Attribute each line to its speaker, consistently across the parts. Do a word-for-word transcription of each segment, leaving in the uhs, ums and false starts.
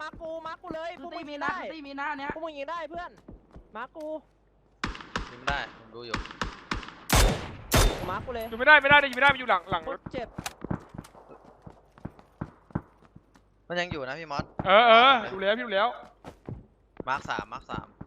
Speaker 1: มากูมากูเลยพวกมึงมีหน้าตีมีหน้าเนี้ยพวกมึงยิงได้เพื่อนมากู
Speaker 2: ยิงไม่ได้ผมดูอยู่
Speaker 1: มากูเลย
Speaker 3: อยู่ไม่ได้ไม่ได้ยิงไม่ได้มันอยู่หลังหลังรถ
Speaker 1: เจ็บ
Speaker 2: มันยังอยู่นะพี่มอส
Speaker 3: เออเออดูแล้วพี่ดูแล้ว
Speaker 2: มาร์คสามมาร์คสาม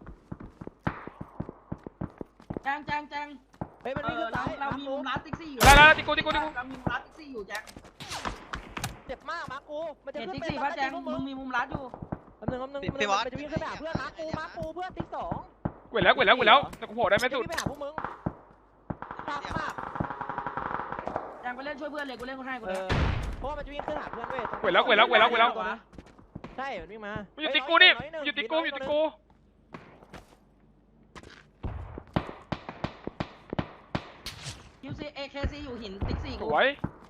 Speaker 4: แจงแจงแจง
Speaker 1: เฮ้ยมันวิ่งขึ้นไป
Speaker 4: เรามีมุมลัดติ๊กซี่อยู่
Speaker 3: ได้แล้วติ๊กกูติ๊กกูติ๊กกู
Speaker 4: เรามีมุมลัดติ๊กซี่อยู่แจง
Speaker 1: เจ็บมากมากูมันจะ
Speaker 4: เห็น
Speaker 1: ขึ้น
Speaker 4: ติ๊ก
Speaker 1: ไป
Speaker 4: ซี่ป่ะแจงมึงมีมุมลัดอยู่
Speaker 1: คำนึงคำนึงมันจะวิ่งขึ้นไปหาเพื่อนมากูมากูเพื่อนติ๊กสอง
Speaker 3: เว้ยแล้วเว้ยแล้วเว้ยแล้วแต่กูโผล่ได้ไม่สุด
Speaker 1: ไปหาพวกมึงตามมาก
Speaker 4: แจงไปเล่นช่วยเพื่อนเลยกูเล่นกูให้กูเลย
Speaker 1: เพราะว่ามันจะวิ่งขึ้นหาเพื่อนเว้ย
Speaker 3: เว้ยแล้วเว้ยแล้วเว้ยแล้วเว้ยแล้ว
Speaker 1: ใช่มันวิ่งมา
Speaker 3: มันอยู่ติ๊กกูนี่อยู่ติ๊กกูอยู่ติ๊กกู
Speaker 4: คิวซีเอเคซีอยู่หินติ๊กซี่
Speaker 3: สวย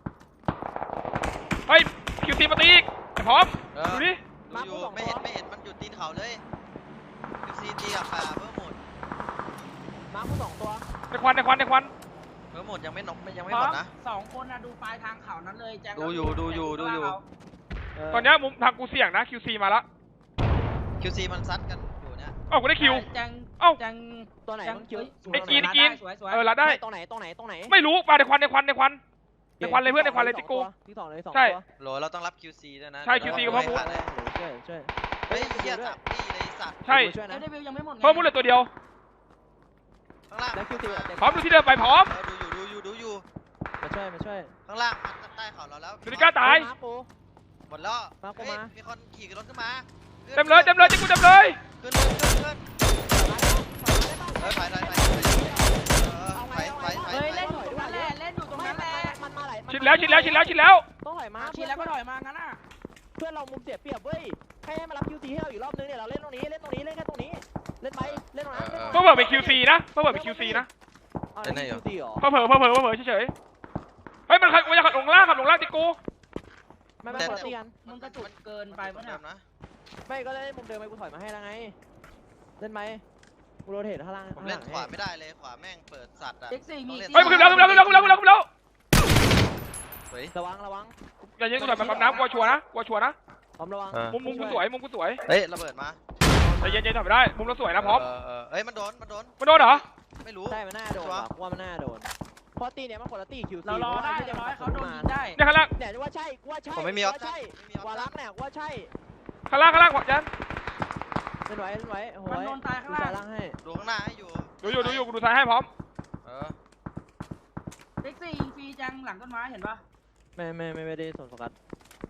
Speaker 3: เฮ้ยคิวซีมาตีอีกพร้อมดูดิ
Speaker 2: ดูอยู่ไม่เห็นไม่เห็นมันอยู่ตีนเขาเลยคิวซีตีกับป่าเพิ่มหมด
Speaker 1: มากูสองตัว
Speaker 3: ในควันในควันในควัน
Speaker 2: เพิ่มหมดยังไม่นกยังไม่หมดนะ
Speaker 4: สองคนนะดูปลายทางเขานั้นเลยแจง
Speaker 2: ดูอยู่ดูอยู่ดูอยู่
Speaker 3: ตอนนี้มุมทางกูเสี่ยงนะคิวซีมาละ
Speaker 2: คิวซีมันซัดกันอยู่เนี่ย
Speaker 3: เอ้ากูได้คิว
Speaker 4: แจง
Speaker 3: เอ้า
Speaker 4: แจง
Speaker 1: ตัวไหนมันคิว
Speaker 3: ไอ้กีนไอ้กีนเออละได้
Speaker 1: ตรงไหนตรงไหนตรงไหน
Speaker 3: ไม่รู้มาในควันในควันในควันในควันเลยเพื่อนในควันเลยติ๊กกู
Speaker 1: ที่สองเลยสอง
Speaker 3: ใช่
Speaker 2: โหลเราต้องรับคิวซีด้วยนะ
Speaker 3: ใช่คิวซีก็เพิ่มมุ้ง
Speaker 1: ช่วยช่วย
Speaker 2: เฮ้ยเหี้ยสับตีเลยสัตว์
Speaker 3: ใช่
Speaker 4: เอเดวิลยังไม่หมด
Speaker 3: เพิ่มมุ้งเลยตัวเดียว
Speaker 2: ข้างล่าง
Speaker 1: แล้วคิวซี
Speaker 3: พร้อมดูที่เดิมไปพร้อม
Speaker 2: ดูอยู่ดูอยู่ดูอยู่
Speaker 1: มาช่วยมาช่วย
Speaker 2: ข้างล่างมันใต้เขาเราแล้ว
Speaker 3: ดูดิก้าตาย
Speaker 2: หมดแล้ว
Speaker 1: มากูมา
Speaker 2: มีคนขี่รถขึ้นมา
Speaker 3: เต็มเลยเต็มเลยติ๊กกูเต็มเลย
Speaker 2: ขึ้นเลยขึ้นขึ้นเฮ้ยไปไปไปไปไปไป
Speaker 4: เฮ้ยเล่นอยู่ตรงนั้นแหละเล่นอยู่ตรงนั้นแหละ
Speaker 1: มันมาไหล
Speaker 3: ชิดแล้วชิดแล้วชิดแล้วชิดแล้ว
Speaker 1: ต้องไหลมา
Speaker 4: ชิดแล้วก็ถอยมางั้นอ่ะ
Speaker 1: เพื่อนเรามุมเสียเปรียบเว้ยให้มารับคิวซีให้เราอยู่รอบนึงเนี่ยเราเล่นตรงนี้เล่นตรงนี้เล่นแค่ตรงนี้เล่นไปเล่นตรงนั้น
Speaker 3: เพิ่มเพิ่มเป็นคิวซีนะเพิ่มเพิ่มเป็นคิวซีนะ
Speaker 1: เล่นคิวซีหรอ
Speaker 3: เพิ่มเพิ่มเพิ่มเพิ่มเพิ่มเฉยๆเฮ้ยมันขับมันจะขับลงล่างขับลงล่างติ๊กกู
Speaker 1: ไม่ไม่คนละตีกัน
Speaker 4: มึงกระจุกเกินไปปะเนี่ย
Speaker 1: ไม่ก็เล่นมุมเดิมไปกูถอยมาให้แล้วไงเล่นไหมกูโรเทตข้างล่าง
Speaker 2: ผมเล่นขวาไม่ได้เลยขวาแม่งเปิดสัตว์อะ
Speaker 3: เฮ้ยมึงขึ้นแล้วขึ้นแล้วขึ้นแล้วขึ้นแล้วขึ้นแล้วขึ้นแล้ว
Speaker 1: ระวังระวัง
Speaker 3: อย่ายิงกูถอยมาปั๊มน้ำกลัวชัวนะกลัวชัวนะ
Speaker 1: พร้อมระวัง
Speaker 3: มุมมุมกูสวยมุมกูสวย
Speaker 2: เฮ้ยระเบิดมา
Speaker 3: ใจเย็นๆถอยไม่ได้มุมเราสวยนะพร้อม
Speaker 2: เฮ้ยมันโดนมันโดน
Speaker 3: มันโดนเหรอ
Speaker 2: ไม่รู้
Speaker 1: ใช่มันน่าโดนว่ามันน่าโดนเพราะตีเนี้ยมันคนละตีคิวซี
Speaker 4: เรารอได้รอให้เขาโดนยิงได้
Speaker 3: เนี่ยข้างล่าง
Speaker 1: เนี่ยว่าใช่ว่าใช่
Speaker 2: ผมไม่มีออปชั่น
Speaker 1: วารักเนี่ยว่าใช่
Speaker 3: ข้างล่างข้างล่างขวาจัน
Speaker 1: เล่นไว้เล่นไว้โอ้โห
Speaker 4: มันโดนตายข้างล่าง
Speaker 1: ให้
Speaker 2: ดูข้างหน้าให้อยู่
Speaker 3: ดูอยู่ดูอยู่กูดูซ้ายให้พร้อม
Speaker 2: เออ
Speaker 4: เด็กซี่ยิงฟรีจังหลังต้นไม้เห็นปะ
Speaker 1: ไม่ไม่ไม่ไม่ได้สนโฟกัส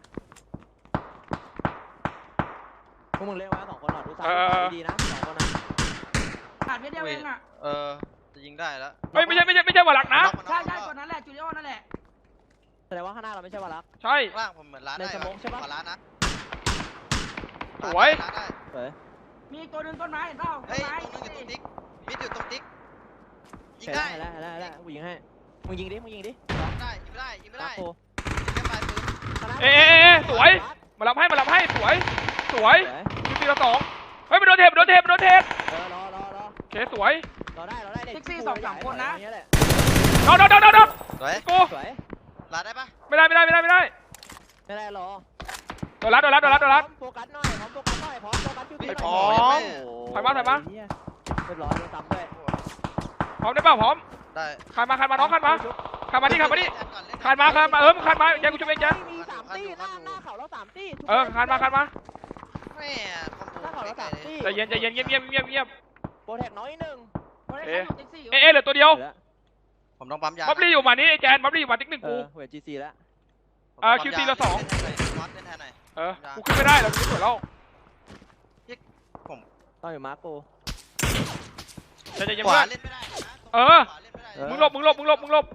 Speaker 1: พวกมึงเล่นไว้สองคนหน่อยดูซ้ายดีนะสองคนนะ
Speaker 4: ขาดไม่เดียวเองอ่ะ
Speaker 2: เออจะยิงได้แล้ว
Speaker 3: เฮ้ยไม่ใช่ไม่ใช่ไม่ใช่วารักนะ
Speaker 4: ใช่ใช่คนนั้นแหละจูเลียนั่นแหละ
Speaker 1: แสดงว่าข้างหน้าเราไม่ใช่วารัก
Speaker 3: ใช่
Speaker 2: ล่างผมเหมือนร้านได้ใช่ปะร้านนะ
Speaker 3: สวย
Speaker 1: สวย
Speaker 4: มีตัวนึงต้นไม้เห็นเปล่า
Speaker 2: เฮ้ยตัวนึงอยู่ตรงติ๊กมิดอยู่ตรงติ๊กยิงได้
Speaker 1: แล้วแล้วแล้วกูยิงให้มึงยิงดิมึงยิงดิ
Speaker 2: ได้ยิงไม่ได้ยิงไม่ได้ยิงแค่ปลายปืน
Speaker 3: เอ๊ะสวยมารับให้มารับให้สวยสวยคิวซีเราสองเฮ้ยมันโดนเทปโดนเทปโดนเทป
Speaker 1: เออรอรอรอ
Speaker 3: เคสวย
Speaker 1: รอได้รอได้
Speaker 4: เด็กซี่สองสามคนนะ
Speaker 3: โดนโดนโดนโดน
Speaker 2: สวย
Speaker 3: กู
Speaker 1: สวย
Speaker 2: ลาได้ปะ
Speaker 3: ไม่ได้ไม่ได้ไม่ได้ไม่ได้
Speaker 1: ไม่ได้รอ
Speaker 3: โดนรัดโดนรัดโดนรัดโดนรัด
Speaker 1: โฟกัสหน่อยพร้อมโฟกัสหน่อยพร้อมโฟกัสคิวซีหน่อย
Speaker 3: พร้อมถอยมาถอยมา
Speaker 1: เรียบร้อยโดนซ้ำด้วย
Speaker 3: พร้อมได้เปล่าพร้อม
Speaker 2: ได้
Speaker 3: ขันมาขันมาน้องขันมาขันมาที่ขันมาที่ขันมาขันมาเออขันมายังกูช่วยเองยัน
Speaker 1: มีสามตีหน้าหน้าเขาแล้วสามตี
Speaker 3: เออขันมาขันมา
Speaker 2: แม่
Speaker 1: หน้าเขาแล้วสามตี
Speaker 3: ใจเย็นใจเย็นเงียบเงียบเงียบเงียบ
Speaker 1: โปรแทคน้อยหนึ่ง
Speaker 3: เอ๊ะเอ๊ะเหลือตัวเดียว
Speaker 2: ผมต้องปั๊มยา
Speaker 3: บับลี่อยู่มานี่แจนบับลี่อยู่มาติ๊กหนึ่งกู
Speaker 1: เวทจีซีแล้ว
Speaker 3: เออคิวซีละสองเออกูขึ้นไม่ได้แล้วกูสวยแล้ว
Speaker 2: ผม
Speaker 1: ต้องอยู่มาร์โก
Speaker 3: ใจเย็นมากเออมึงหลบมึงหลบมึงหลบมึงหลบ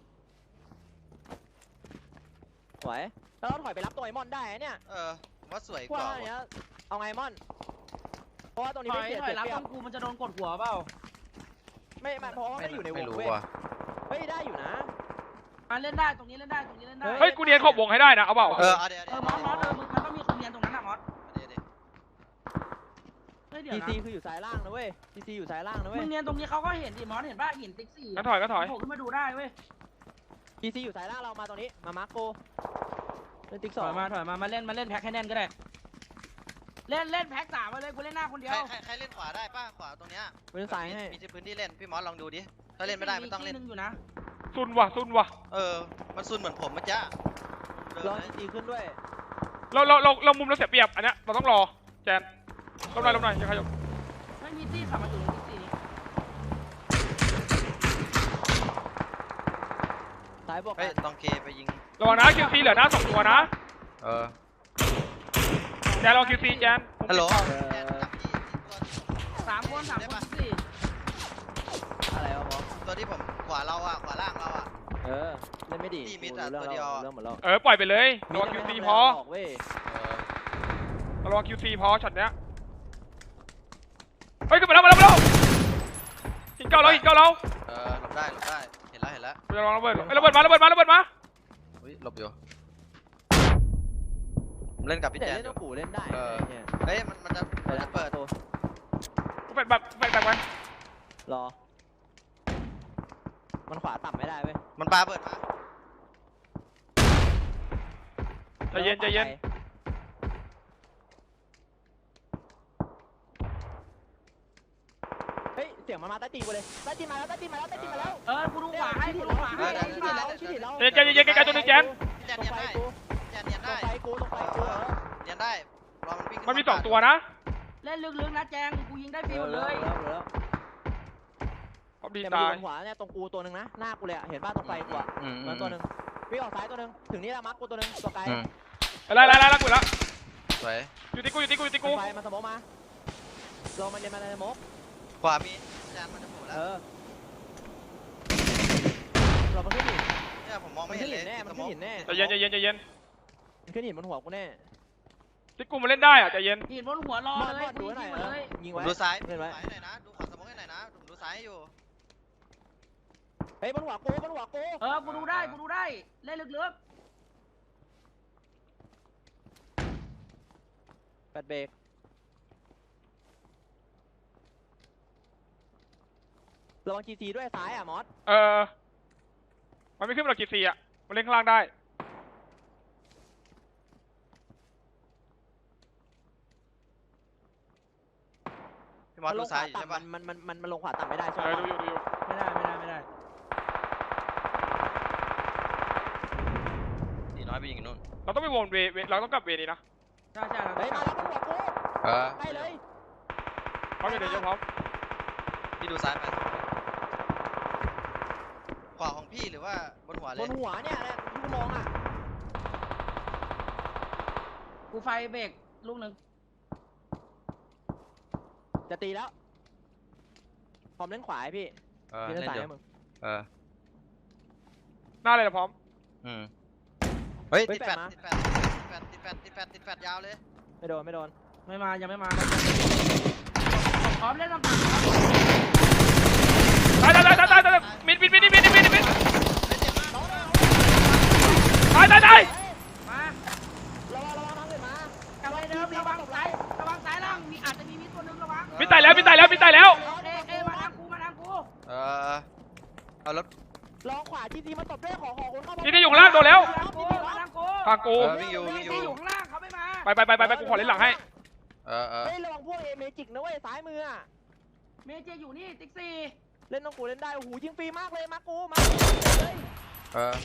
Speaker 1: สวยแล้วเราถอยไปรับตัวไอมอนได้เนี่ย
Speaker 2: เออว่าสวยก
Speaker 1: ว่าเนี้ยเอาไงมอนเพราะว่าตรงนี้ไม่เสียเปรียบ
Speaker 4: รับกูมันจะโดนกดหัวเปล่า
Speaker 1: ไม่ไม่เพราะว่าไม่อยู่ในวงเว้ยเฮ้ยได้อยู่นะ
Speaker 4: มาเล่นได้ตรงนี้เล่นได้ตรงนี้เล่นได้
Speaker 3: เฮ้ยกูเนียนขอบวงให้ได้นะเอาเปล่า
Speaker 2: เออ
Speaker 4: เดี๋ยวเออมอสมอสเออมึงมันต้องมีคนเนียนตรงนั้นอะมอส
Speaker 1: ทีซีคืออยู่ซ้ายล่างนะเว้ยทีซีอยู่ซ้ายล่างนะเว้ย
Speaker 4: มึงเนียนตรงนี้เขาก็เห็นดิมอสเห็นป่ะหินติ๊กซี่
Speaker 3: ก็ถอยก็ถอย
Speaker 4: โผล่ขึ้นมาดูได้เว้ย
Speaker 1: ทีซีอยู่ซ้ายล่างเรามาตรงนี้มามาร์โกเล่นติ๊กสอง
Speaker 4: มาถอยมามาเล่นมาเล่นแพ็คให้แน่นก็ได้เล่นเล่นแพ็กสามมาเลยกูเล่นหน้าคนเดีย
Speaker 2: ใคร
Speaker 4: ว
Speaker 2: ใครใครเล่นขวาได้ป่ะขวาตรงเนี้ย
Speaker 1: กูเล่นซ้ายให้
Speaker 2: มีที่พื้นที่เล่นพี่มอสลองดูดิถ้าเล่นไม่ได้ไม่ต้องเล่น
Speaker 4: นึงอยู่นะ
Speaker 3: ซุนว่ะซุนว่ะ
Speaker 2: เออมันซุนเหมือนผมเมื่อกี้เดิน
Speaker 1: ลอง
Speaker 2: เลย
Speaker 1: จีขึ้นด้วย
Speaker 3: เราเราเราเรามุมเราเสียเปรียบอันเนี้ยเราต้องรอแจนลบหน่อยลบหน่อยอย่าขยับ
Speaker 4: ไม่มีที่ขับมาอยู่ในติ๊กซี่นี้
Speaker 1: ซ้ายบอก
Speaker 2: เฮ้ยตองเคไปยิง
Speaker 3: ระวังนะคิวซีเหลือหน้าสองตัวนะ
Speaker 2: เออ
Speaker 3: แจนรอคิวซีแจน
Speaker 2: ฮัลโหล
Speaker 4: สามคนสามคนติ๊กซี่
Speaker 1: อะไรวะหมอ
Speaker 2: ตัวที่ผมขวาเราอ่ะขวาล่างเราอ่ะ
Speaker 1: เออเล่นไม่ดี
Speaker 2: ที่มิดอะ
Speaker 1: เรื่อง
Speaker 2: ตัวเดียว
Speaker 1: เรื่องหมดแล้ว
Speaker 3: เออปล่อยไปเลยระวังคิวซีพอ
Speaker 1: เว้ย
Speaker 2: เออ
Speaker 3: ระวังคิวซีพอช็อตเนี้ยเฮ้ยขึ้นมาแล้วมาแล้วมาแล้วหินเก้าแล้วหินเก้าแล้ว
Speaker 2: เออหลบได้หลบได้เห็นแล้วเห็นแล้ว
Speaker 3: ระวังระเบิดเอ้ยระเบิดมาระเบิดมาระเบิดมา
Speaker 2: อุ้ยหลบอยู่ผมเล่นกับพี่
Speaker 1: แต่
Speaker 2: แจน
Speaker 1: เล่น
Speaker 2: อยู่
Speaker 1: ต้องกูเล่นได้
Speaker 2: เออ
Speaker 1: ไเนี่ย
Speaker 2: เฮ้ยมันมันจะมันจะเปิด
Speaker 1: ตัว
Speaker 3: กูแฟดแบบแฟดแบบมัน
Speaker 1: รอ มันขวาต่ำไม่ได้เว้ย
Speaker 2: มันปาเปิดมา
Speaker 3: ใจเย็นใจเย็น
Speaker 1: เฮ้ยเสียงมันมาใต้ตีนกูเลยใต้ตีนมาแล้วใต้ตีนมาแล้วใต้ตีนมาแล้ว
Speaker 4: เออกูดูขวาให้กูดูขวา
Speaker 1: ชิ
Speaker 4: ให้
Speaker 1: ดเราชิดเรา
Speaker 3: ใจเย็นใจเย็นใกล้ๆตัวนึงแจน
Speaker 2: พี่แจ
Speaker 1: ต
Speaker 2: น
Speaker 1: รง
Speaker 2: เนียน
Speaker 1: ไฟ
Speaker 2: ได้
Speaker 1: กู
Speaker 2: พี่แจนเนียน
Speaker 1: ตร
Speaker 2: ได้
Speaker 1: งไฟกูตรงไฟกูเออ
Speaker 2: เนียนได้รอมันวิ่งขึ้
Speaker 3: มันมีสองตัวนะ
Speaker 4: เล่นลึกๆนะแจงกูยิงได้ฟรีหมดเลย
Speaker 1: แล้วแล้ว
Speaker 3: พอดี
Speaker 1: เนี่ย
Speaker 3: ตาย
Speaker 1: มันอยู่บนขวาเนี่ยตรงกูตัวหนึ่งนะหน้ากูเลยอะเห็นป่ะตรงไฟกูอะ
Speaker 2: อืมอื
Speaker 1: มัน
Speaker 2: ม
Speaker 1: ตัวหนึ่งวิ่งออกซ้ายตัวหนึ่งถึงนี่แล้วมาร์คกูตัวหนึ่งตัวไกล
Speaker 2: อืม
Speaker 3: ไล่ไล่ไล่ไล่กูแล้ว
Speaker 2: สวย
Speaker 3: อยู่ที่กูอยู่ที่กูอยู่ที่กู
Speaker 1: ไฟมาสมองมาลงมาเรียนมาในสมอง
Speaker 2: ขวามีพี่แจนมันจะโผล่แล้
Speaker 1: เอ
Speaker 2: ว
Speaker 1: อเรามันขึ้นหิน
Speaker 2: เนี่ยผมมอง
Speaker 1: มั
Speaker 2: ไม่
Speaker 1: น
Speaker 2: เห็
Speaker 1: ขึ้
Speaker 2: น
Speaker 1: น
Speaker 2: เล
Speaker 1: หิ
Speaker 2: ย
Speaker 1: นแน่มันขึ้นหินแน่
Speaker 3: ใจเย็นใจเย็นใจเย็น
Speaker 1: มันขึ้นหินบนหัวกูแน่
Speaker 3: ที่กูมาเล่นได้อะใจเย็น
Speaker 4: หินบนหัวรอ
Speaker 1: มอด
Speaker 4: เล
Speaker 1: ม
Speaker 4: ย
Speaker 1: อดดู
Speaker 4: กู
Speaker 1: หน่
Speaker 4: ยิ
Speaker 1: อย
Speaker 4: งหมดเลย
Speaker 1: ยิง
Speaker 2: ผม
Speaker 1: ไว้
Speaker 2: ดูซ้าย
Speaker 1: เล่นไว้
Speaker 2: ซ้ายหน่อยนะดูขวาสมองให้หน่อยนะผมดูซ้ายให้อยู่
Speaker 1: เฮ้ยบนหัวกูบนหัวกู
Speaker 4: เออกูดูได้กูดูได้เล่นลึก
Speaker 1: แปดเบรกระวังจีซีด้วยซ้ายอ่ะมอส
Speaker 3: เออมันไม่ขึ้นมาหรอกกี่ซีอะมันเล่นข้างล่างได้
Speaker 2: พี่มอส
Speaker 1: มันล
Speaker 2: ดู
Speaker 1: งข
Speaker 2: ซ้า
Speaker 1: วย
Speaker 2: อยู่ใช่
Speaker 1: ต่ำ
Speaker 2: ปะ
Speaker 1: มันมันมันมันลงขวาต่ำไม่ได้
Speaker 3: เอ
Speaker 1: ใช่ไหม
Speaker 3: อดูอยู่ดูอยู่
Speaker 4: ๆไม่ได้ไม่ได้ไม่ได้
Speaker 2: ตีน้อยไปยิงนู่น
Speaker 3: เราต้องไปวนเวเวเราต้องกลับเวนี้นะ
Speaker 4: ใช่ใช่
Speaker 1: เฮ้ยมาแล้วบนหัวกู
Speaker 2: เออ
Speaker 1: ให้เลย
Speaker 3: พร้อมเดี๋ยวเดี๋ยวพร้อม
Speaker 2: พี่ดูซ้ายไปขวาของพี่หรือว่าบนหัวเล
Speaker 1: บ
Speaker 2: ย
Speaker 1: นหัวเนี่ยเนี่ยที่กูมองอ่ะ
Speaker 4: กูไฟเบรกลูกหนึ่ง
Speaker 1: จะตีแล้วพร้อมเล่นขวาให้พี่
Speaker 2: เออ
Speaker 1: พี่
Speaker 2: เล่
Speaker 1: เล่น
Speaker 2: น
Speaker 1: ซ้าย
Speaker 2: เดี๋ยว
Speaker 1: ให้มึง
Speaker 2: เออ
Speaker 3: หน้าเลยนะพร้อม
Speaker 2: อืมเฮ้ย
Speaker 1: เฮ้ย
Speaker 2: ติดแฟด
Speaker 1: แปดมา
Speaker 2: ติดแฟดติดแฟดติดแฟดติดแฟดติดแฟดยาวเลย
Speaker 1: ไม่โดนไม่โดน
Speaker 4: ไม่มายังไม่มาพร้อมเล่นลำตัด
Speaker 3: ตายตายตายตายตายตายมิดมิดมิดมิดมิดมิดมิด
Speaker 2: เฮ้ยเจ็บมาก
Speaker 3: ตายตายตาย
Speaker 4: มา
Speaker 1: ระวังระวังทางอื่นมาก
Speaker 4: ลับไปเดิมระวังซ้ายระวังซ้ายล่างมีอาจจะมีมิดตัวนึงระวัง
Speaker 3: มิดตายแล้วมิดตายแล้วมิดตายแล้ว
Speaker 4: เอเอมาทางกูมาทางกู
Speaker 2: เออเอารถ
Speaker 1: ลองขวาจีซีมาตบด้วยขอขอคนเข้ามา
Speaker 3: นี่ที่อยู่ข้างล่างโดนแล้ว
Speaker 4: มาทางกูมาทางกู
Speaker 3: ทางกู
Speaker 2: เออวิ่งอยู่วิ่งอยู่
Speaker 4: ที่อยู่ข้างล่างเขาไม่มา
Speaker 3: ไปไปไปไปไปกูขอเล่นหลังให้
Speaker 2: เออเออ
Speaker 1: เฮ้ยระวังพวกเอเมจิกนะเว้ยซ้ายมืออ่ะ
Speaker 4: เมเจอยู่นี่ติ๊กซี่
Speaker 1: เล่นต้องกูเล่นได้โอ้โหยิงฟรีมากเลยมากูมาเลย
Speaker 2: เออ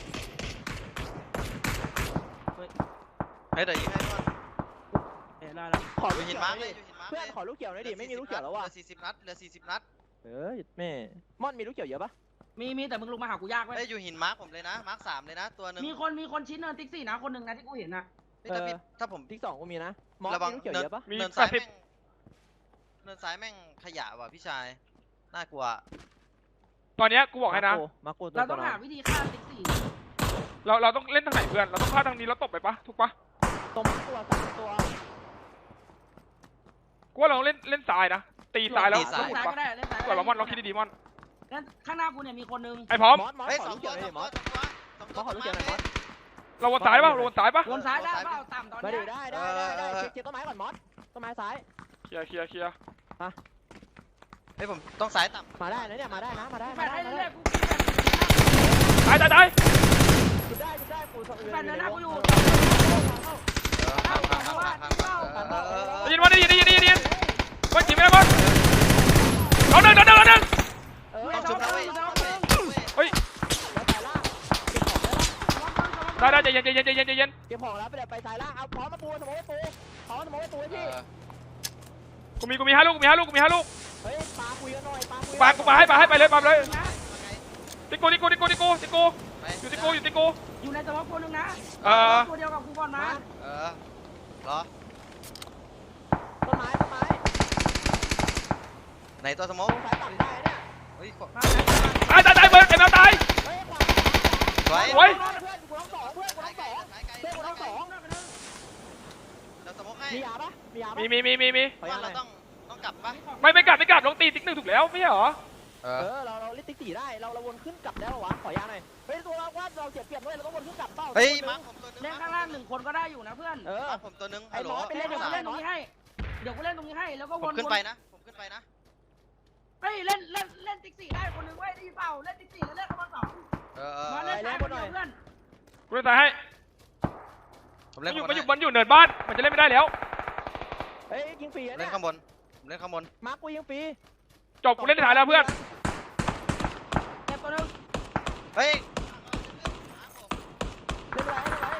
Speaker 2: เฮ้ยเดี๋ยวยิงให้ก่อน
Speaker 4: เห็นได้แล้ว
Speaker 1: ขอ
Speaker 2: อ
Speaker 1: ลู
Speaker 2: ยู่
Speaker 1: ก
Speaker 2: หิน
Speaker 1: เขียว
Speaker 2: มา
Speaker 1: ห
Speaker 2: ร์ก
Speaker 1: น่
Speaker 2: เล
Speaker 1: อย
Speaker 2: ย
Speaker 1: ดิ
Speaker 2: อยู่หินมาร์ก
Speaker 1: เพื่อนขอลูกเขียวหน่อยดิไม่มีลูกเขียวแล้วว่ะ
Speaker 2: เหลือสี่สิบนัดเหลือสี่สิบนัด
Speaker 1: เออแม่ม่อนมีลูกเขียวเยอะปะ
Speaker 4: มีมีแต่มึงลงมาหากูยากเว้ย
Speaker 2: เฮ้ยอยู่หินมาร์กผมเลยนะมาร์กสามเลยนะตัวหนึ่ง
Speaker 4: มีคนมีคนชิ้นเนินติ๊กซี่นะคนหนึ่งนะที่กูเห็นนะ
Speaker 2: เฮ้ยถ้าพี่ถ้าผม
Speaker 1: ที่สองกูมีนะมอส
Speaker 2: ระวัง
Speaker 1: มีลูกเขียวเยอะปะ
Speaker 3: มี
Speaker 2: เนิน
Speaker 3: แป
Speaker 2: ซ้า
Speaker 3: ด
Speaker 2: ย
Speaker 3: สิบ
Speaker 2: แม่งเนินซ้ายแม่งขยะว่ะพี่ชายน่ากลัว
Speaker 3: ตอนเนี้ยกูบอกให้นะ
Speaker 1: มากูตัว
Speaker 4: เรา
Speaker 1: ตั
Speaker 4: ต้
Speaker 1: ว
Speaker 4: อง
Speaker 1: น้อ
Speaker 4: หาย วิธีฆ่าติ๊กซี่
Speaker 3: เราเราต้องเล่นทางไหนเพื่อนเราต้องฆ่าทางนี้แล้วตบไปปะถูกปะ
Speaker 1: ตรงตัวสามตัว
Speaker 3: กูว่าเราต้องเล่นเล่นซ้ายนะตีซ้ายแล้ว
Speaker 4: เล่นซ้าย
Speaker 3: ถูก
Speaker 4: ก็
Speaker 3: ปะ
Speaker 4: ได้เล่นซ้าย
Speaker 3: ก่อนเรามอนเราคิดดีๆมอน
Speaker 4: งั้นข้างหน้ากูเนี่ยมีคนหนึ่ง
Speaker 3: ไอ้พร้อม
Speaker 1: มอสมอส
Speaker 2: เฮ้ย
Speaker 1: ขอ
Speaker 2: สอ
Speaker 1: ลู
Speaker 2: ง
Speaker 1: ก
Speaker 2: ตั
Speaker 1: เขียว วห
Speaker 2: ส
Speaker 1: น่
Speaker 2: อ
Speaker 1: อย
Speaker 2: ง
Speaker 1: ดิม
Speaker 2: ตั
Speaker 1: อ
Speaker 2: ว
Speaker 1: ส
Speaker 2: สอง
Speaker 1: ม
Speaker 2: ตั
Speaker 1: อ
Speaker 2: ว
Speaker 1: สขอลูกเขียวหน่อยมอส
Speaker 3: เราวนซ้ายปะเราวนซ้ายปะ
Speaker 4: วนซ้ายได้เปล่าต่ำตอน
Speaker 1: มา
Speaker 4: เนี้
Speaker 1: ดิ
Speaker 4: ย
Speaker 1: ได้ได้ได้ได้เช็คเช็คต้นไม้ก่อนมอสต้นไม้ซ้าย
Speaker 3: เคลียร์เคลียร์เคลียร์
Speaker 2: เฮ้ยผมต้องสายต่ำ
Speaker 1: มาได้นะเนี่ยมาได้นะมาได้
Speaker 4: แฟ
Speaker 1: มา
Speaker 4: ด
Speaker 1: ได้
Speaker 4: ให้
Speaker 1: มา
Speaker 4: เรื่
Speaker 1: ได้
Speaker 4: อยๆกู
Speaker 3: ตายตายตาย
Speaker 1: กูได้กูได้กู
Speaker 4: แฟดเดินหน้ากูอยู่
Speaker 2: เอพังพังพังพังพังพังเออ
Speaker 3: ได้ยินว่าได้ยินได้ยินได้ยินได้ยินบอลจีบไม่ได้บอลน้องหนึ่งน้องหนึ่งน้องหนึ่ง
Speaker 1: เออ
Speaker 2: ต้องชุบแล้วเว้ย
Speaker 3: เฮ้ย
Speaker 1: แล้วสายล่างเก็บของแล้ว
Speaker 3: ได้ได้ใจเย็นใจเย็นใจเย็นใจเย็น
Speaker 1: เก็บของแล้วไปเดี๋ยวไปสายล่างเอาพร้อมมาปูสมมติปูพร้อมสมมติปูให้พี่
Speaker 3: กูมีกูมีห้าลูกกูมีห้าลูกกูมีห้าลูก
Speaker 1: เฮ้ยปาคุยกันหน่อยปาคุย
Speaker 3: ปากูปาให้ปาให้ไปเลยปาเลยติกูติกูติกูติกูติกูอยู่ติกูอยู่ติกู
Speaker 4: อยู่ในสมองตัวนึงนะ
Speaker 3: เออ
Speaker 4: ตัวเดียวกับกูบอลมา
Speaker 2: เออเหรอ
Speaker 1: ต้นไม้ต้นไม้
Speaker 2: ไหนตัวสมอง
Speaker 1: สายต่ำได้เนี่ย
Speaker 2: เฮ้ย
Speaker 3: ตายตายตายเบิร์ดไอ้แมวตาย
Speaker 1: เฮ้ยขวา
Speaker 2: สวย
Speaker 3: โอ้ย
Speaker 1: เพื่อนกูต้องสองเพื่อนกูต้องสองเพื่อนกูต้องสอง
Speaker 2: เราสมองให้
Speaker 1: มียาปะมียาปะ
Speaker 3: มีมีมีมีมี
Speaker 1: ขอยาหน่
Speaker 2: เรา
Speaker 1: อย
Speaker 2: ต้องต้องกลับปะ
Speaker 3: ไม่ไม่กลับไม่กลับลงตีติ๊กหนึ่งถูกแล้วไม่ใช่เหรอ
Speaker 2: เอ
Speaker 1: เอ
Speaker 2: อ
Speaker 1: อเราเราเล่นติ๊กสี่ได้เราเราวนขึ้นกลับได้ปะวะขอยาหน่อยเฮ้ยตัวเราว่าเราเสียเปรียบด้วยเราต้องวนขึ้นกลับเปล่า
Speaker 2: เฮ้ยมาผมตัวนึง
Speaker 4: เล่นข้างล่างหนึ่งคนก็ได้อยู่นะเพื่อน
Speaker 1: เออ
Speaker 2: มาผมตัวนึง
Speaker 1: ไอ้
Speaker 2: ฮัลโหล
Speaker 1: หมอไป
Speaker 4: ไป
Speaker 1: เล่
Speaker 4: เล่
Speaker 1: น
Speaker 4: น
Speaker 1: เดี๋
Speaker 4: เดี๋
Speaker 1: ย
Speaker 4: ยว ว
Speaker 1: กู
Speaker 4: กู
Speaker 1: เล่
Speaker 4: เล่
Speaker 1: น
Speaker 4: น
Speaker 1: ต
Speaker 4: ต
Speaker 1: ร
Speaker 4: รง ง
Speaker 1: นี้
Speaker 4: นี้ให้เดี๋ยวกูเล่นตรงนี้ให้แล้วก็
Speaker 2: ผ
Speaker 4: ว
Speaker 2: ม
Speaker 4: น
Speaker 2: ขึ้นไปนะผมขึ้นไปนะ
Speaker 4: เฮ้ยเล่นเล่นเล่นติ๊กสี่ได้คนนึงเว้ยได้ยินเปล่าเล่นติ๊กสี่แล้วเล่นข้างบนสอง
Speaker 2: เออเออ
Speaker 4: มาเล่นซ้ายคนเดียวเพื่อน
Speaker 3: กูจะตายให้
Speaker 2: ผม
Speaker 3: มั
Speaker 2: เล่
Speaker 3: น
Speaker 2: น
Speaker 3: อยู่
Speaker 2: ข้างบ
Speaker 3: มัน
Speaker 2: น
Speaker 3: อยู่มันอยู่เนินบ้านมันจะเล่นไม่ได้แล้ว
Speaker 1: เฮ้ยยิงฟรี
Speaker 2: เล่
Speaker 1: เนี่ย
Speaker 2: นข้างบนผมเล่นข้างบน
Speaker 1: มาร์คกูยิงฟรี
Speaker 3: จบกูเล่นในฐานแล้วเพื่อน
Speaker 4: เจ็บตัวนึง
Speaker 2: เฮ้ย
Speaker 1: เล่นไรเล่นไร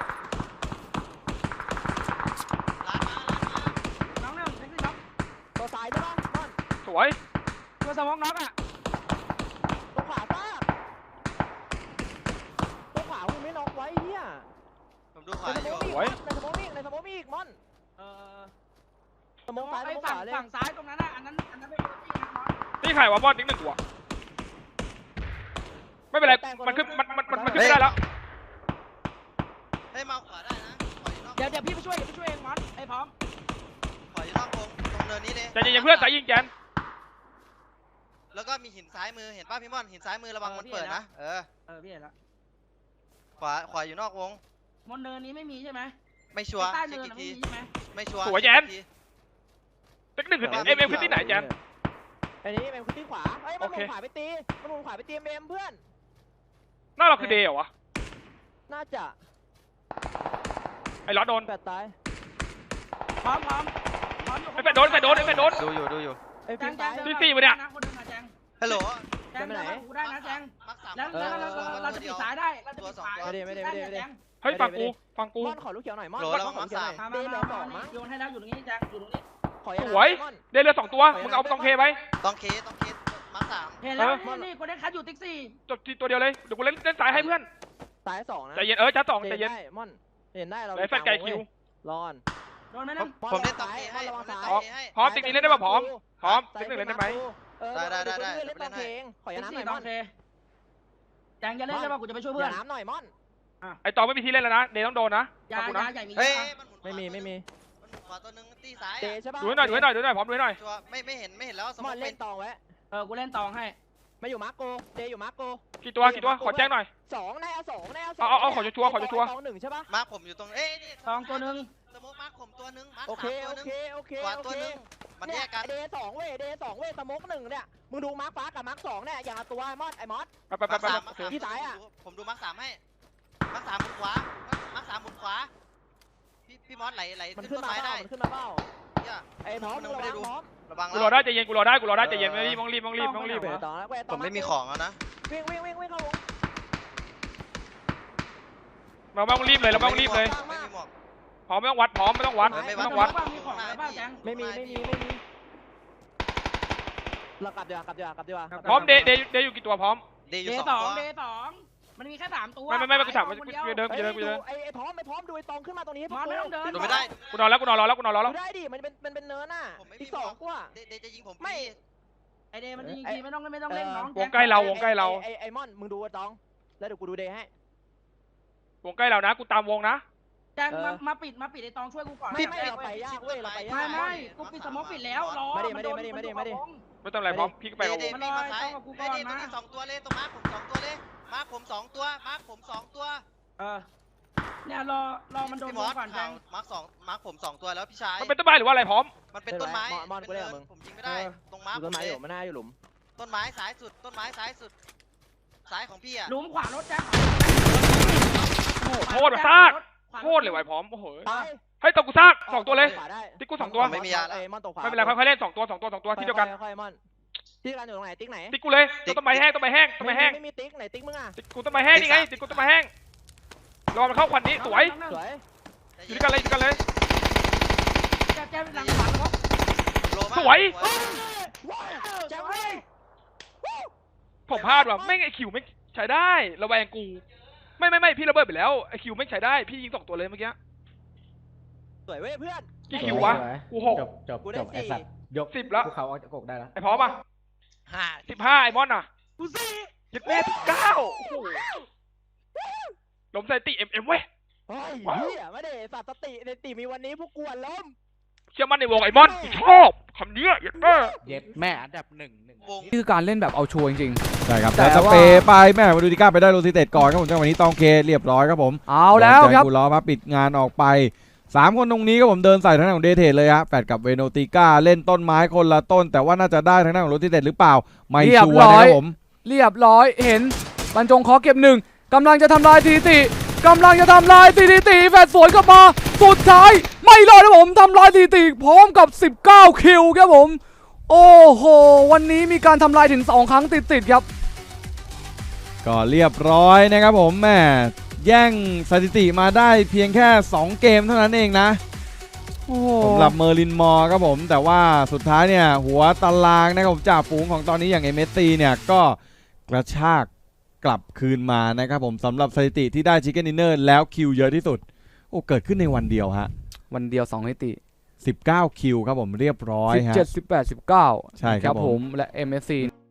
Speaker 2: ล้านมาล้านมา
Speaker 4: น้องหนึ่งติ๊กสี่น็อก
Speaker 1: ตัวซ้ายใช่ปะนอน
Speaker 3: สวย
Speaker 4: ตัวสมองน็อกอ่ะ
Speaker 1: ตัวขวาซากตัวขวามึงไม่น็อกไว้เฮีย
Speaker 2: ผมดูขวา
Speaker 1: ใน
Speaker 2: อ
Speaker 1: ส
Speaker 2: ยู่
Speaker 1: มองมีในสมองมีในสมองมีอีกมอน
Speaker 4: เออ
Speaker 1: สมองซ้ายส
Speaker 4: ไอ้
Speaker 1: มองข
Speaker 4: ฝั่ง
Speaker 1: วาเลย
Speaker 4: ฝั่งซ้ายตรงนั้นอ่ะอันนั้นอันนั้นเป็นตัวที่นะน็อก
Speaker 3: นี่ใครวะบอลติ๊กหนึ่งตัวไม่เป็นไรมันขึ้นมันมันมันมันขึ้นไม่ได้แล้ว
Speaker 2: เฮ้ยมาขวาได้นะขวาอยู่นอก
Speaker 4: เดี๋ยวเดี๋ยวพี่ไปช่วยเดี๋ยวพี่ช่วยเองมอนไอ้พร้อม
Speaker 2: ขวาอยู่นอกวงตรงเนินนี้เลย
Speaker 3: ใจเย็นๆเพื่อนสายยิงแกน
Speaker 2: แล้วก็มีหินซ้ายมือเห็นป่ะพี่ม่อนหินซ้ายมือระวังมันเปิดนะเออ
Speaker 4: เออพี่เห็นละ
Speaker 2: ขวาขวาอยู่นอกวง
Speaker 4: มอนเนินนี้ไม่มีใช่ไหม
Speaker 2: ไม่ชัวร์
Speaker 4: ใต้
Speaker 2: เช็
Speaker 4: เนิ
Speaker 2: คน อีก
Speaker 4: ไม่
Speaker 2: ที
Speaker 4: มีใช่ไหม
Speaker 2: ไม่ชัวร์
Speaker 3: ติ๊กหนึ่งคือติ๊กเอ็มเอ็มคือที่ไหนแกน
Speaker 1: อันนี้เป็นคุณที่ขวาเฮ้ยมันหมุนขวาไปตีมันหมุนขวาไปตีเอ็มเพื่อน
Speaker 3: หน้าเราคือเดย์เหรอวะ
Speaker 1: น่าจะ
Speaker 3: ไอ้ล้อโดน
Speaker 1: แปดตาย
Speaker 4: พร้อมพร้อมพร้อมอยู่
Speaker 3: ไอ้แปดโดนไอ้แปดโดนไอ้แปดโดน
Speaker 2: ดูอยู่ดูอยู่
Speaker 1: ไอ้
Speaker 4: แจ
Speaker 1: ฟิ
Speaker 4: ง
Speaker 1: ล์ม
Speaker 4: แจ
Speaker 1: ตาง ย
Speaker 3: ที่สี่วะเนี่ย
Speaker 4: คนหนึงอะแจง
Speaker 2: ฮัลโหล
Speaker 4: แจงเดินมากูได้นะแจง
Speaker 2: มักสาม
Speaker 4: แล้วแล้วเราเราจะปิดสายได้เราจะปิดสาย
Speaker 3: เฮ้ยฟังกูฟังกู
Speaker 1: มอนขอลูกเขียวหน่อยมอน
Speaker 2: โหล
Speaker 1: มอน
Speaker 2: แล้ว
Speaker 1: ขอ
Speaker 2: มั
Speaker 1: ลู
Speaker 2: ก
Speaker 1: กเขียว
Speaker 2: สา
Speaker 1: ห
Speaker 2: ม
Speaker 1: น่อย
Speaker 4: มา
Speaker 1: เด
Speaker 4: มา
Speaker 1: ย์เหลือสอง
Speaker 4: มา
Speaker 1: มั้ง
Speaker 4: โยนให้แล้วอยู่ตรงนี้แจงอยู่ตรงนี้
Speaker 1: ขอยา
Speaker 3: สวย
Speaker 1: มอน
Speaker 3: เดย์เรือสองตัวมึงเอาตองเคไว้
Speaker 2: ต้องเคต้องเคมักสาม
Speaker 4: เห็นแล้วนี่นี่กูได้คัดอยู่ติ๊กซี่
Speaker 3: จบทีตัวเดียวเลยเดี๋ยวกูเล่นเล่นสายให้เพื่อน
Speaker 1: สายสองนะ
Speaker 3: ใจเย็นเออจ้าสองใจเย็น
Speaker 1: ได้มอนเห็นได้เรา
Speaker 3: ไอ้แฟนไก่คิว
Speaker 1: รอน
Speaker 4: โดนไหมนั่น
Speaker 2: ผมเล่นต้องเคให้ผมเล่นต้องเคให้
Speaker 3: พร้อมติ๊กนี้เล่นได้ป่ะพร้อมพร้อมติ๊กหนึ่งเล่นได้ไหม
Speaker 1: ได้ได้ได้เล่นตองเพลงขอยา
Speaker 4: ติ๊ก
Speaker 1: น้ำห
Speaker 4: ซี่
Speaker 1: น่อย
Speaker 4: ต
Speaker 1: ม
Speaker 4: อ
Speaker 1: อน
Speaker 4: นเคแจงจะเล่นได้ป่ะกูจะไปช่วยเพื่
Speaker 1: เพื่
Speaker 4: อ
Speaker 1: อน นน้ำหน่อยมอน
Speaker 3: ไอ้ตองไม่มีที่เล่นแล้วนะเดย์ต้องโดนนะ
Speaker 4: ยา
Speaker 3: ฟังกู
Speaker 4: ยา
Speaker 3: นะ
Speaker 4: ใหญ่มี
Speaker 2: เฮ้ย
Speaker 1: ไม่มีไม่มี
Speaker 2: มันขวาตัวนึงตีซ้าย
Speaker 1: เดย์ใช่ปะ
Speaker 3: ดูให้หน่อยดูให้หน่อยดูให้หน่อยพร้อมดูให้หน่อย
Speaker 2: ชัวไม่ไม่เห็นไม่เห็นแล้วสม
Speaker 1: ม
Speaker 2: อ
Speaker 1: อง น
Speaker 2: เป็
Speaker 1: เล่
Speaker 2: น
Speaker 1: นตองไว้
Speaker 4: เออกูเล่นตองให้
Speaker 1: มาอยู่มาร์โกเดย์อยู่มาร์โก
Speaker 3: กี่ตัวกี่ตัวขอแจ้งหน่อย
Speaker 1: สองแน่สองแน่สอง
Speaker 3: เอาเอาเอาขอชัวร์ขอชัวร์
Speaker 1: ตองหนึ่งใช่ปะ
Speaker 2: มาร์คผมอยู่ตรงเอ้ยนี่
Speaker 4: ตองตัวนึง
Speaker 2: สมองมาร์คผมตัวนึงมาร์ค
Speaker 1: โอเค
Speaker 2: สามตัว
Speaker 1: โอ
Speaker 2: นึง
Speaker 1: เคโอเค
Speaker 2: ขวา
Speaker 1: โอ
Speaker 2: ตัว
Speaker 1: เค
Speaker 2: นึงมันแยกกัน
Speaker 1: เดย์สองเว้ยเดย์สองเว้ยสมกหนึ่งเนี่ยมึงดูมาร์คฟ้ากับมาร์คสองเนี่ยอย่างละตัวไอ้มอสไอ้มอส
Speaker 3: ไปไปไป
Speaker 2: มาร์ค
Speaker 3: ไป
Speaker 2: สามมาร์คสาม
Speaker 1: ที่ซ้ายอะ
Speaker 2: ผมดูมาร์คสามให้มาร์คสามหมุนขวามาร์คสามหมุนขวาพี่พี่มอสไหลไหล
Speaker 1: มัน
Speaker 2: ขึ้
Speaker 1: ขึ้
Speaker 2: น
Speaker 1: น
Speaker 2: ต้น
Speaker 1: มา
Speaker 2: ไม้
Speaker 1: เปล่า
Speaker 2: ได้
Speaker 1: มันขึ้นมาเปล่า
Speaker 2: เหี้ย
Speaker 1: ไอ้พร้อมมึงระวังพร้อม
Speaker 2: ระวัง
Speaker 3: กูร
Speaker 2: แล้
Speaker 3: อ
Speaker 2: ว
Speaker 3: ได้ใจเย็นกูรอได้กูรอได้ใจเย็นไม่รีบต้องรีบต้องรีบต้องรีบ
Speaker 1: เดี๋ยวต่อแล้วเว้ย
Speaker 2: ผมไม่มีของแล้วนะ
Speaker 1: วิ่งวิ่งวิ่งวิ่งเข้าวง
Speaker 3: เราไม่ต้องรีบเลยเราไม่ต้องรีบเลย
Speaker 2: ไม่มีหมวก
Speaker 3: พร้อมไม่ต้องวัดพร้อมไม่ต้องวัด
Speaker 2: ไม่
Speaker 3: ไม่
Speaker 2: วั
Speaker 3: ต้องวัด
Speaker 4: มีของแล้วป่ะแจง
Speaker 1: ไม่มีไม่มีไม่มีเรากลับดีกว่ากลับดีกว่ากลับดีกว่า
Speaker 3: พร้อมเดย์เดย์เดย์อยู่กี่ตัวพร้อม
Speaker 2: เดย์อ
Speaker 4: เด
Speaker 2: ยู่
Speaker 4: ย์
Speaker 2: ส
Speaker 4: ส
Speaker 2: อ
Speaker 4: อง ง
Speaker 2: ตัว
Speaker 4: เดย์สองมันมีแค่สามตัว
Speaker 3: ไม่ไม่ไม่กูถามว่า
Speaker 4: คน
Speaker 3: กู
Speaker 4: เดียว
Speaker 3: เดิมกูเดิมกูเดิม
Speaker 1: ไอ้ไอ้พร้อมไอ้พร้อมดูไอ้ตองขึ้นมาตรงนี้
Speaker 4: มอสไม่ต้องเดิน
Speaker 2: ดูไม่ได้
Speaker 3: กูนอนแล้วกูนอนรอแล้วกูนอนรอแล้ว
Speaker 1: ดูได้ดิมันเป็นมันเป็นเนินน่ะอีกสองกว่า
Speaker 2: เดย์เดย์จะยิงผม
Speaker 1: ไม่
Speaker 2: พี่
Speaker 4: ไอเดย์มันจะยิงทีไม่ต้องไม่ต้องเล่นน้อง
Speaker 3: วงใกล้เราวงใกล้เรา
Speaker 1: ไอ้ไอ้มอนมึงดูไอ้ตองแล้วเดี๋ยวกูดูเดย์ให้
Speaker 3: วงใกล้เรานะกูตามวงนะ
Speaker 4: แจงมามาปิดมาปิดไอตองช่วยกูก่อน
Speaker 1: ไม่ไม่เราไปยากเว้ยเราไปยาก
Speaker 4: ไม่ไม่กูปิดสมองปิดแล้วรอ
Speaker 1: ไม่ได้ไม่ได้ไม่ได้ไม่ได้ไม่ได้
Speaker 3: ไม่ต้องอะไรพร้อมพี่ก็ไป
Speaker 2: เด
Speaker 3: กับ
Speaker 2: ย์
Speaker 3: ว
Speaker 2: เด
Speaker 3: ง
Speaker 2: ย์พี่มาซ้ายเดย์เดย์ตัวนี้สองตัวเลยตรงมาร์คผมสองตัวเลยมาร์คผมสองตัวมาร์คผมสองตัว
Speaker 4: เออเนี่ยรอรอมันโดน
Speaker 2: พี่มอส
Speaker 4: ก่อนแจง
Speaker 2: มาร์คสองมาร์คผมสองตัวแล้วพี่ชาย
Speaker 3: มันเป็นต้นไม้หรือว่าอะไรพร้อม
Speaker 2: มันเป็นต้นไม้เป็นเนินผมยิงไม่ได้ตรงมาร์ค
Speaker 1: ต้นไม้อยู่มันน่าอยู่หลุม
Speaker 2: ต้นไม้ซ้ายสุดต้นไม้ซ้ายสุดซ้ายของพี่อ่ะ
Speaker 4: หลุมขวารถแจง
Speaker 3: โทษว่ะซากโทษเลยไว้พร้อมโอ้โห
Speaker 1: ตาย
Speaker 3: เฮ้ยตกกูซากสองตัวเลย
Speaker 1: ขวาได้
Speaker 3: ติ๊กกูสองตัว
Speaker 2: ไม่มียาแล้ว
Speaker 1: ไอ้มอนตกขวา
Speaker 3: ไม่เป็นไรค่อยๆเล่นสองตัวสองตัวสองตัวที่เดียวกัน
Speaker 1: ค่อยๆมอนที่เดียวกันอยู่ตรงไหนติ๊กไหน
Speaker 3: ติ๊กกูเลยต้นไม้แห้งต้นไม้แห้งต้นไม้แห้ง
Speaker 1: ไม่มีติ๊กไหนติ๊กมึงอ่ะ
Speaker 3: ติ๊กกูต้นไม้แห้งนี่ไงติ๊กกูต้นไม้แห้งรอมันเข้าควันนี้สวย
Speaker 1: สวย
Speaker 3: อยู่ด้วยกันเลยอยู่ด้วยกันเลย
Speaker 4: แจ๊บแจ๊บหลังขวาครับ
Speaker 2: โลมาก
Speaker 3: สวย
Speaker 1: แจ้งเว้ย
Speaker 3: ผมพลาดว่ะไม่ไอคิวไม่ใช้ได้ระแวงกูไม่ไม่ไม่พี่ระเบิดไปแล้วไอคิวไม่ใช้ได้พี่ยิงสองตัวเลยเมื่อกี้
Speaker 1: สวยเว้ยเพื่อน
Speaker 3: กี่คิววะกูหก
Speaker 5: จบจบ
Speaker 1: กูได้
Speaker 5: จบไอ
Speaker 1: สี่
Speaker 5: สัตว์ยก
Speaker 3: สิบแล้ว
Speaker 5: ภูเขาออกจากอกได้แล้ว
Speaker 3: ไอพร้อมป่ะ
Speaker 2: ห้า
Speaker 3: สิบห้าไอมอนอ่ะ
Speaker 1: กูสี่
Speaker 3: ยิดแม่สิบเก้าล้มใส่ติเอ็มเอ็มเว้ย
Speaker 1: เฮ้ยเฮียไม่ได้สัตว์สติในติมีวันนี้พวกกวนล้ม
Speaker 3: เชื่อมั่นในวงไอมอนกูชอบคำนี้ยิดแม่
Speaker 5: เย็ดแม่อันดับหนึ่งหนึ่ง
Speaker 2: วง
Speaker 6: นี่คือการเล่นแบบเอาชัวร์จริง
Speaker 7: ใช่ครับ
Speaker 6: แต่
Speaker 7: แต่ส
Speaker 6: ว่า
Speaker 7: เปรย์ไปแม่มาดูดิก้าไปได้โรซิเต็ดก่อนครับผมจังหวะนี้ตองเคเรียบร้อยครับผม
Speaker 6: ๆเอาแล้วครับ
Speaker 7: กูล้อมาปิดงานออกไปสามคนตรงนี้ก็ผมเดินใส่ทางด้านของเดเทเลยฮะแฟดกับเวโนติก้าเล่นต้นไม้คนละต้น แต่ว่าน่าจะได้ทางด้านของโรซิเต็ดหรือเปล่าไม่
Speaker 6: เรียบ
Speaker 7: ชัว
Speaker 6: ร้
Speaker 7: ร์
Speaker 6: อย
Speaker 7: นะครับผม
Speaker 6: เรียบร้อยเห็นบรรจงขอเก็บหนึ่งกำลังจะทำลายสถิติกำลังจะทำลายสถิติแฟดสวนกลับมาสุดท้ายไม่รอดนะผมทำลายสถิติพร้อมกับสิบเก้าคิวครับผมโอ้โหวันนี้มีการทำลายถึงสองครั้งติดๆครับ
Speaker 7: ก็เรียบร้อยนะครับผมแม่แย่งสถิติมาได้เพียงแค่สองเกมเท่านั้นเองนะ
Speaker 6: โอ้โห
Speaker 7: สำหรับเมอร์ลินมอร์ครับผมแต่ว่าสุดท้ายเนี่ยหัวตารางนะครับผมจ่าฝูงของตอนนี้อย่างเอเมสซีเนี่ยก็กระชากกลับคืนมานะครับผมสำหรับสถิติที่ได้ชิคเก้นดินเนอร์แล้วคิวเยอะที่สุดโอ้เกิดขึ้นในวันเดียวฮะ
Speaker 6: วันเดียวสองสถิติ
Speaker 7: สิบเก้าคิวครับผมเรียบร้อย
Speaker 6: สิบ
Speaker 7: ฮะ
Speaker 6: เจ็ด สิบแปด สิบเก้า
Speaker 7: ใช่ครับผม
Speaker 6: ผมและ เอ็ม เอส ซี